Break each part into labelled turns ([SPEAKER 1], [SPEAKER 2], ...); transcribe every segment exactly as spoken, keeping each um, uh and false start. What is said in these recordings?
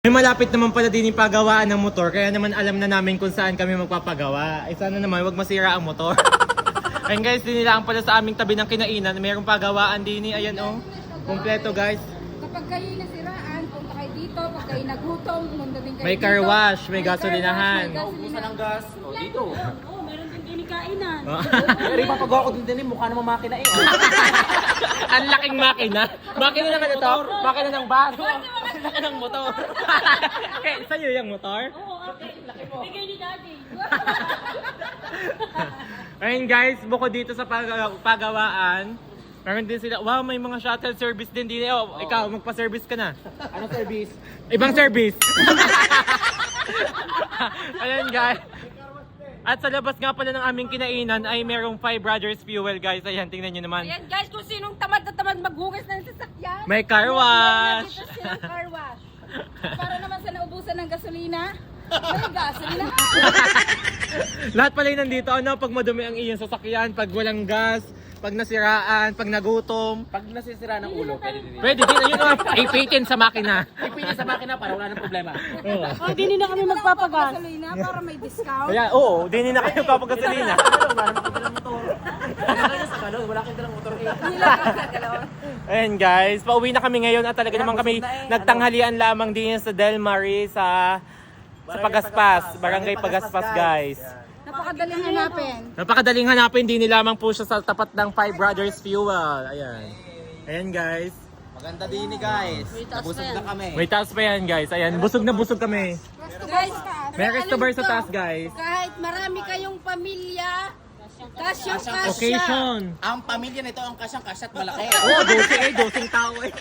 [SPEAKER 1] May malapit naman pala din yung pagawaan ng motor, kaya naman alam na namin kung saan kami magpapagawa. Ay sana naman, wag masira ang motor. Ayun guys, dinilaan pala sa aming tabi ng kinainan. Mayroong pagawaan din eh. Ayan oh. Kompleto guys.
[SPEAKER 2] Kapag kayo nasiraan, punta kayo dito. Pag kayo nagutom, pumunta din kayo
[SPEAKER 1] May
[SPEAKER 2] dito.
[SPEAKER 1] car wash, may
[SPEAKER 2] car
[SPEAKER 1] gasolinahan.
[SPEAKER 2] wash, may
[SPEAKER 3] Ubusan ng gas. O, dito.
[SPEAKER 4] Oo, meron din kinikainan.
[SPEAKER 3] Pero ipapagawa ko din din, mukha naman makina eh. Oh.
[SPEAKER 1] Ang laking makina. Makina naman ito. Makina ng baso. Ang laki ng motor. Okay, sa'yo yung motor?
[SPEAKER 4] Oo, okay. Bigay ni Daddy.
[SPEAKER 1] Ayun guys, bukod dito sa pag- pagawaan, meron din sila, wow, may mga shuttle service din din. Oh, ikaw, magpa-service ka na.
[SPEAKER 3] Anong service?
[SPEAKER 1] Ibang service. Ayan guys. At sa labas nga pala ng aming kinainan ay merong Five Brothers Fuel guys. Ayan, tingnan nyo naman.
[SPEAKER 2] Ayan guys, kung sinong tamad na tamad maghugas ng sasakyan.
[SPEAKER 1] May car wash.
[SPEAKER 2] Dito silang car wash. Para naman sa naubusan ng gasolina, may gasolina.
[SPEAKER 1] Lahat pala yung nandito, ano, pag madumi ang iyong sasakyan, pag walang gas, pag nasiraan, pag nagutom.
[SPEAKER 3] Pag nasisira ng ulo, pwede din.
[SPEAKER 1] Pwede din, ayun o, ipitin sa makina.
[SPEAKER 3] Ipili sa makina para wala nang problema.
[SPEAKER 1] Oo.
[SPEAKER 4] Oh, di na kami magpapagas.
[SPEAKER 2] Gasolina para may discount.
[SPEAKER 1] Kaya, oo, din na kayo papagasolina.
[SPEAKER 3] Wala naman kita ng motor. Wala kayo sa kalon, wala kayo ng motor.
[SPEAKER 1] Ayan guys, pauwi na kami ngayon at talaga naman kami nagtanghalian lamang din sa Del Marie sa sa Pagaspas, Barangay Pagaspas guys.
[SPEAKER 2] Napakadaling hanapin.
[SPEAKER 1] Napakadaling hanapin, din lamang po siya sa tapat ng Five Brothers Fuel. Ayan. Ayan guys.
[SPEAKER 3] Maganda din ni guys. Nabusog na kami.
[SPEAKER 1] May taas pa yan guys. Ayan, busog na busog kami.
[SPEAKER 2] Guys,
[SPEAKER 1] May resto bar sa taas guys.
[SPEAKER 2] kahit marami kayong pamilya, kasyang kasya.
[SPEAKER 1] Occasion.
[SPEAKER 3] Ang pamilya nito ang kasyang-kasyat malaki.
[SPEAKER 1] Oh, dosing eh, dosing tao eh.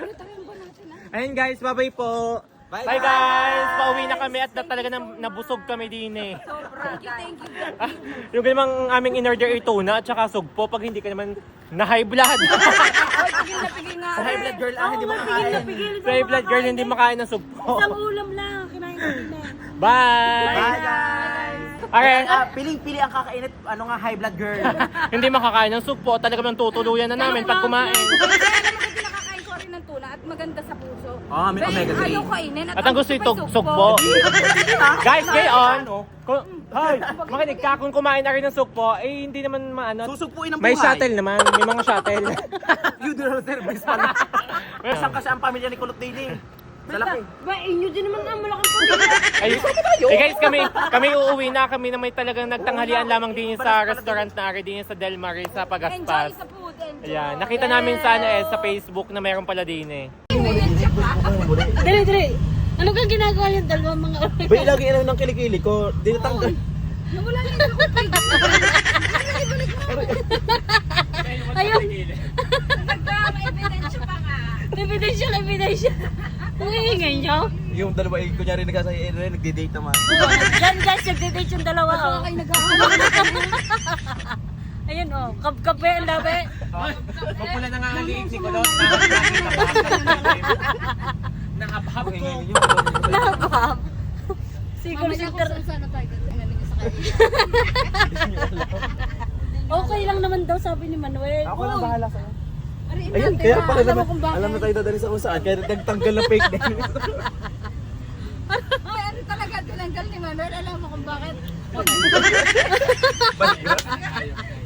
[SPEAKER 1] Ayun guys, bye-bye po. Bye,
[SPEAKER 3] Bye,
[SPEAKER 1] guys! Pauwi na kami at na, talaga na, nabusog kami din eh.
[SPEAKER 2] Thank you, thank you.
[SPEAKER 1] Ah, yung namang aming in-order ay tuna at saka sugpo pag hindi ka naman na high blood.
[SPEAKER 2] Ay, pigil na pigil nga.
[SPEAKER 3] Sa high blood girl ah, hindi
[SPEAKER 4] Oo,
[SPEAKER 3] makakain.
[SPEAKER 4] pigil na pigil.
[SPEAKER 1] Sa high blood girl hindi makain ng sugpo.
[SPEAKER 4] Isang ulam lang, kinain natin na.
[SPEAKER 1] Bye!
[SPEAKER 3] Bye guys!
[SPEAKER 1] Okay.
[SPEAKER 3] Ah, piling-pili ang kakainit, ano nga high blood girl.
[SPEAKER 1] Hindi makakain ng sugpo, talaga nang tutuluyan na namin pag kumain.
[SPEAKER 2] Kaya naman kasi nakakain ko rin ng tuna at maganda sa puso.
[SPEAKER 3] Ah, may
[SPEAKER 2] Kaya
[SPEAKER 3] omega three.
[SPEAKER 2] Ayaw kainin
[SPEAKER 1] At ang gusto ito, sugpo. Guys, ngayon, kung, hoy, makinig ka, kung kumain na rin ng sugpo, eh hindi naman maano.
[SPEAKER 3] Susugpuin ang
[SPEAKER 1] May
[SPEAKER 3] buhay.
[SPEAKER 1] shuttle naman, may mga shuttle.
[SPEAKER 3] You do not service pala. Kasang kasi ang pamilya ni Kulot Daily. Sa laki.
[SPEAKER 4] Ba, inyo din naman ang malaking pamilya.
[SPEAKER 1] Ay, eh guys, kami kami uuwi na kami na may talagang nagtanghalian lamang din sa restaurant na ari din sa Del Marie sa
[SPEAKER 2] Enjoy
[SPEAKER 1] Pagaspas.
[SPEAKER 2] sa food, enjoy.
[SPEAKER 1] Ayan, nakita namin sana eh sa Facebook na mayroon pala din eh.
[SPEAKER 4] Dali, dali. Ano kang ginagawa yung dalawang mga oras?
[SPEAKER 3] Bay, lagi ano ng kilikili ko, dinatanggal.
[SPEAKER 2] Nawala na yung upig.
[SPEAKER 4] Ayun.
[SPEAKER 2] Nagka-ebidensya pa nga.
[SPEAKER 4] Evidential, evidential. Kung iingay nyo.
[SPEAKER 3] Yung dalawa, eh, kunyari nagkasaya, eh, nagdi-date naman.
[SPEAKER 4] Yan guys, nagdidate yung dalawa. Oh.
[SPEAKER 2] Kayo naghahanap.
[SPEAKER 4] Ayun oh, kap-kape ang labi.
[SPEAKER 1] Mapula na nga ang liig ni Kulot. Nakapahap ko.
[SPEAKER 4] Nakakahap. Siguro
[SPEAKER 2] Mamaya
[SPEAKER 4] si
[SPEAKER 2] kung saan sana tayo gagawin sa kanya.
[SPEAKER 4] okay lang naman daw sabi ni Manuel.
[SPEAKER 3] Ako lang bahala sa'yo.
[SPEAKER 2] Ariin
[SPEAKER 3] Ayun,
[SPEAKER 2] natin,
[SPEAKER 3] kaya
[SPEAKER 2] ha?
[SPEAKER 3] pala
[SPEAKER 2] Alam mo
[SPEAKER 3] naman,
[SPEAKER 2] kung bakit.
[SPEAKER 3] alam na tayo dadali sa kung saan, kaya nagtanggal na fake name.
[SPEAKER 2] Ay, ano talaga tinanggal ni Manuel? Alam mo kung bakit?
[SPEAKER 3] Balik